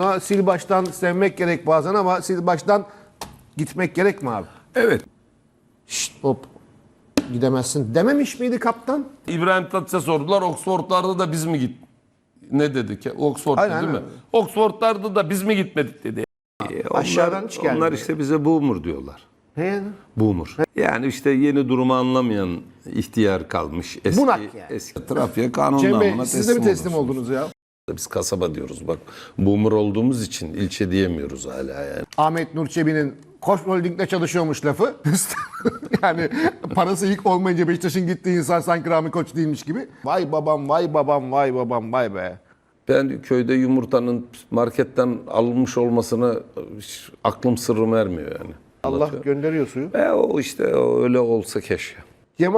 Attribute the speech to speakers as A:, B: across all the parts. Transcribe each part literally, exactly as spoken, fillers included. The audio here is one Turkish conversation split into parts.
A: Ama sil baştan sevmek gerek bazen ama sil baştan gitmek gerek mi abi?
B: Evet.
A: Şşt hop gidemezsin dememiş miydi kaptan?
B: İbrahim Tatlıses'e sordular. Oxford'larda da biz mi git? Ne dedi ki? Oxford'da
A: Aynen,
B: değil mi?
A: aynen.
B: Oxford'larda da biz mi gitmedik dedi. E,
A: Aşağıdan hiç gelmedi.
B: Onlar işte bize boomer diyorlar.
A: Ne yani?
B: Boomer. Yani işte yeni durumu anlamayan ihtiyar kalmış. Eski,
A: Bunak yani.
B: Eski trafiğe kanun
A: Cem Bey
B: namına
A: siz de mi teslim
B: olursunuz.
A: oldunuz ya?
B: Biz kasaba diyoruz bak. Boomer olduğumuz için ilçe diyemiyoruz hala yani.
A: Ahmet Nur Çebi'nin Koç Holding'de çalışıyormuş lafı. Yani parası ilk olmayınca Beşiktaş'ın gittiği insan sanki Rami Koç değilmiş gibi. Vay babam, vay babam, vay babam, vay be.
B: Ben köyde yumurtanın marketten alınmış olmasına hiç aklım sırrım ermiyor yani.
A: Allah gönderiyor suyu.
B: E o işte o öyle olsa keşke.
A: Cem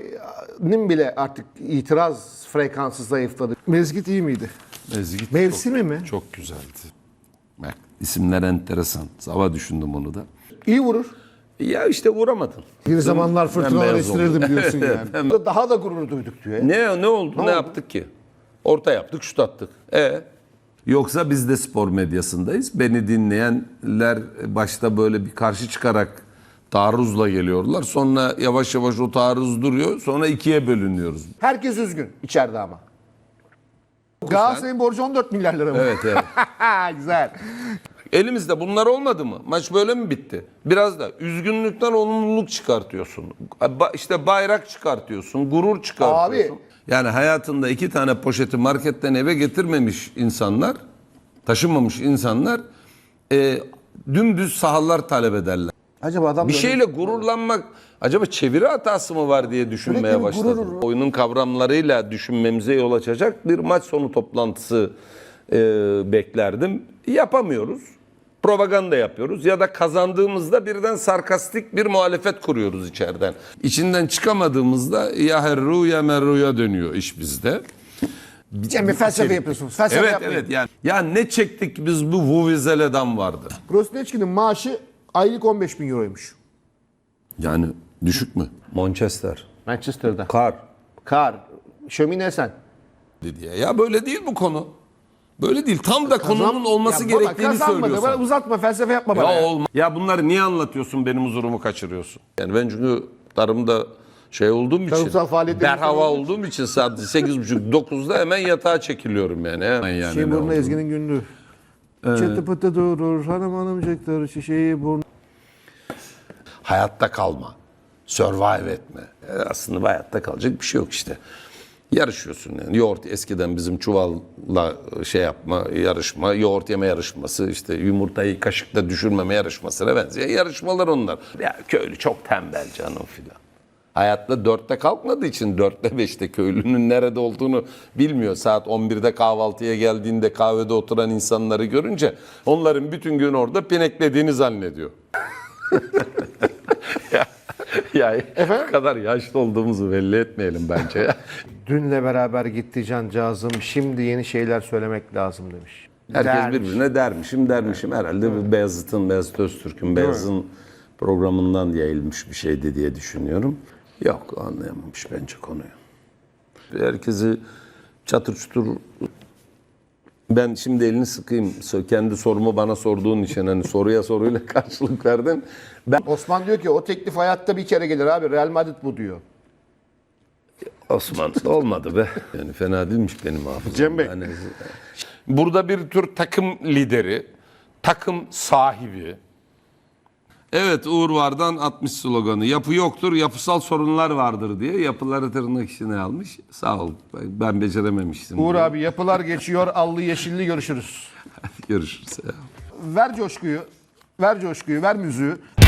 A: abinin bile artık itiraz frekansı zayıfladı. Mezgit iyi miydi?
B: Mezgit
A: Mevsimi
B: çok,
A: mi?
B: Çok güzeldi. Bak isimler enteresan. Sabah düşündüm onu da.
A: İyi vurur.
B: Ya işte vuramadın.
A: Bir zamanlar fırtınalar
B: bembeyaz
A: estirirdim
B: oldu.
A: diyorsun yani. Daha da gurur duyduk diyor ya.
B: Ne ne oldu? Ne,
A: oldu?
B: yaptık ki? Orta yaptık, şut attık. E Yoksa biz de spor medyasındayız. Beni dinleyenler başta böyle bir karşı çıkarak taarruzla geliyorlar. Sonra yavaş yavaş o taarruz duruyor. Sonra ikiye bölünüyoruz.
A: Herkes üzgün içeride ama. Galatasaray'ın borcu on dört milyar lira mı?
B: Evet evet.
A: Güzel.
B: Elimizde bunlar olmadı mı? Maç böyle mi bitti? Biraz da üzgünlükten olumluluk çıkartıyorsun. Ba- İşte bayrak çıkartıyorsun, gurur çıkartıyorsun.
A: Abi.
B: Yani hayatında iki tane poşeti marketten eve getirmemiş insanlar, taşınmamış insanlar e, dümdüz sahalar talep ederler.
A: Acaba adam
B: Bir
A: böyle-
B: şeyle gururlanmak, acaba çeviri hatası mı var diye düşünmeye
A: Sürekli bir
B: başladım.
A: gurur.
B: Oyunun kavramlarıyla düşünmemize yol açacak bir maç sonu toplantısı e, beklerdim. Yapamıyoruz. Propaganda yapıyoruz ya da kazandığımızda birden sarkastik bir muhalefet kuruyoruz içeriden. İçinden çıkamadığımızda ya herru ya merruya dönüyor iş bizde.
A: Cem Bey felsefe yapıyorsunuz. Felsefe
B: Evet
A: yapmayın.
B: evet yani. Ya ne çektik biz bu Vuvuzela'dan vardı.
A: Grosneçki'nin maaşı aylık on beş bin euroymuş.
B: Yani düşük mü? Manchester.
A: Manchester'da.
B: Kar.
A: Kar. Şömine sen.
B: Diye. Ya böyle değil bu konu. Böyle değil. Tam da konunun olması
A: Ya baba,
B: gerektiğini
A: kazanmadı.
B: söylüyorsun.
A: Bana uzatma felsefe yapma bana.
B: Ya
A: Ya.
B: olma. Ya bunları niye anlatıyorsun, benim huzurumu kaçırıyorsun? Yani ben çünkü tarımda şey olduğum için,
A: Tarımsal faaliyetlerin
B: berhava
A: olduğu
B: olduğum için saat sekiz buçuk dokuzda hemen yatağa çekiliyorum yani. Hemen yani
A: Şey
B: ne
A: burnu
B: oldu?
A: Ezgi'nin günlüğü. Çıtı pıtı durur hanım hanımcıklar şişeyi burnu.
B: Hayatta kalma. Survive etme. E, aslında hayatta kalacak bir şey yok işte. Yarışıyorsun yani. Yoğurt eskiden bizim çuvalla şey yapma, yarışma, yoğurt yeme yarışması, işte yumurtayı kaşıkla düşürmeme yarışmasına benziyor. Yarışmalar onlar. Ya köylü çok tembel canım filan. Hayatta dörtte kalkmadığı için dörtte beşte köylünün nerede olduğunu bilmiyor. Saat on birde kahvaltıya geldiğinde kahvede oturan insanları görünce onların bütün gün orada pineklediğini zannediyor. ya, ya bu kadar yaşlı olduğumuzu belli etmeyelim bence.
A: Dünle beraber gitti cancağızım. Şimdi yeni şeyler söylemek lazım demiş.
B: Herkes
A: Dermiş.
B: birbirine dermişim dermişim. Herhalde bir Beyazıt'ın, Beyazıt Öztürk'ün, Beyazıt'ın programından yayılmış bir şeydi diye düşünüyorum. Yok, anlayamamış bence konuyu. Herkesi çatır çutur... Ben şimdi elini sıkayım. Kendi sorumu bana sorduğun için hani soruya soruyla karşılık verdim. Ben
A: Osman diyor ki o teklif hayatta bir kere gelir abi. Real Madrid bu diyor.
B: Osman olmadı be. Yani fena değilmiş benim hafızam.
A: Cem Bey.
B: Yani, burada bir tür takım lideri, takım sahibi. Evet, Uğur Vardan atmış sloganı. Yapı yoktur, yapısal sorunlar vardır diye yapıları tırnak içine almış. Sağ ol. Ben becerememiştim.
A: Uğur
B: diye.
A: abi yapılar geçiyor. Allı yeşilli görüşürüz.
B: Görüşürüz.
A: Ver coşkuyu. Ver coşkuyu. Ver müziği.